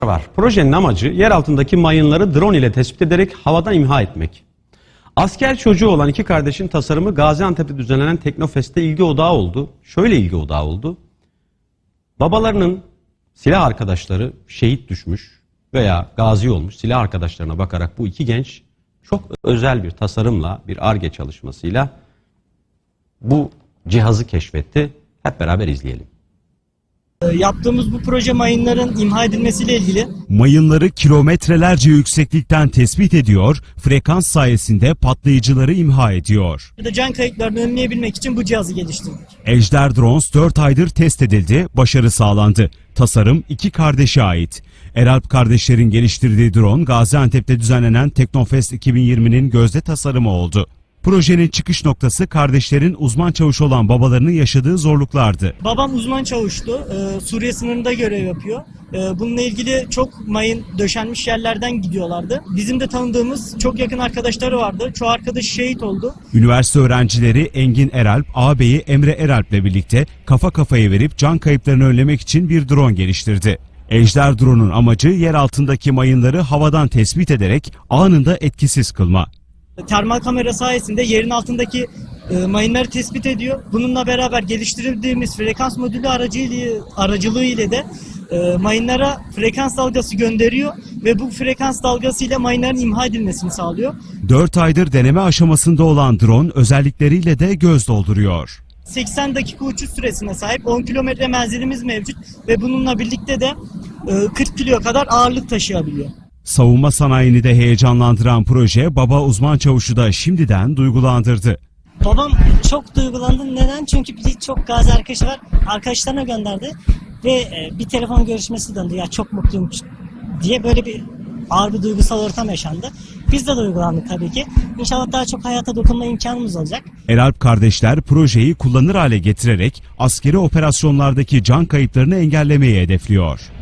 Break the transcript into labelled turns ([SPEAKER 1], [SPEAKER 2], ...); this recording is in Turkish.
[SPEAKER 1] var. Projenin amacı yer altındaki mayınları drone ile tespit ederek havadan imha etmek. Asker çocuğu olan iki kardeşin tasarımı Gaziantep'te düzenlenen Teknofest'te ilgi odağı oldu. Şöyle ilgi odağı oldu. Babalarının silah arkadaşları şehit düşmüş veya gazi olmuş silah arkadaşlarına bakarak bu iki genç çok özel bir tasarımla, bir Ar-Ge çalışmasıyla bu cihazı keşfetti. Hep beraber izleyelim.
[SPEAKER 2] Yaptığımız bu proje mayınların imha edilmesiyle ilgili.
[SPEAKER 3] Mayınları kilometrelerce yükseklikten tespit ediyor, frekans sayesinde patlayıcıları imha ediyor.
[SPEAKER 2] Can kayıplarını önleyebilmek için bu cihazı geliştirdik.
[SPEAKER 3] Ejder Drones 4 aydır test edildi, başarı sağlandı. Tasarım iki kardeşe ait. Eralp kardeşlerin geliştirdiği drone Gaziantep'te düzenlenen Teknofest 2020'nin gözde tasarımı oldu. Projenin çıkış noktası kardeşlerin uzman çavuş olan babalarının yaşadığı zorluklardı.
[SPEAKER 2] Babam uzman çavuştu. Suriye sınırında görev yapıyor. Bununla ilgili çok mayın döşenmiş yerlerden gidiyorlardı. Bizim de tanıdığımız çok yakın arkadaşları vardı. Çoğu arkadaş şehit oldu.
[SPEAKER 3] Üniversite öğrencileri Engin Eralp, ağabeyi Emre Eralp'le birlikte kafa kafaya verip can kayıplarını önlemek için bir drone geliştirdi. Ejder drone'un amacı yer altındaki mayınları havadan tespit ederek anında etkisiz kılma.
[SPEAKER 2] Termal kamera sayesinde yerin altındaki mayınları tespit ediyor. Bununla beraber geliştirdiğimiz frekans modülü aracılığı ile de mayınlara frekans dalgası gönderiyor ve bu frekans dalgası ile mayınların imha edilmesini sağlıyor.
[SPEAKER 3] 4 aydır deneme aşamasında olan drone özellikleriyle de göz dolduruyor.
[SPEAKER 2] 80 dakika uçuş süresine sahip, 10 kilometre menzilimiz mevcut ve bununla birlikte de 40 kilo kadar ağırlık taşıyabiliyor.
[SPEAKER 3] Savunma sanayini de heyecanlandıran proje baba uzman çavuşu da şimdiden duygulandırdı.
[SPEAKER 4] Babam çok duygulandı. Neden? Çünkü birçok gazi arkadaşı var. Arkadaşlarına gönderdi ve bir telefon görüşmesi döndü. Ya çok mutluyum diye böyle bir ağır bir duygusal ortam yaşandı. Biz de duygulandık tabii ki. İnşallah daha çok hayata dokunma imkanımız olacak.
[SPEAKER 3] Eralp kardeşler projeyi kullanır hale getirerek askeri operasyonlardaki can kayıplarını engellemeyi hedefliyor.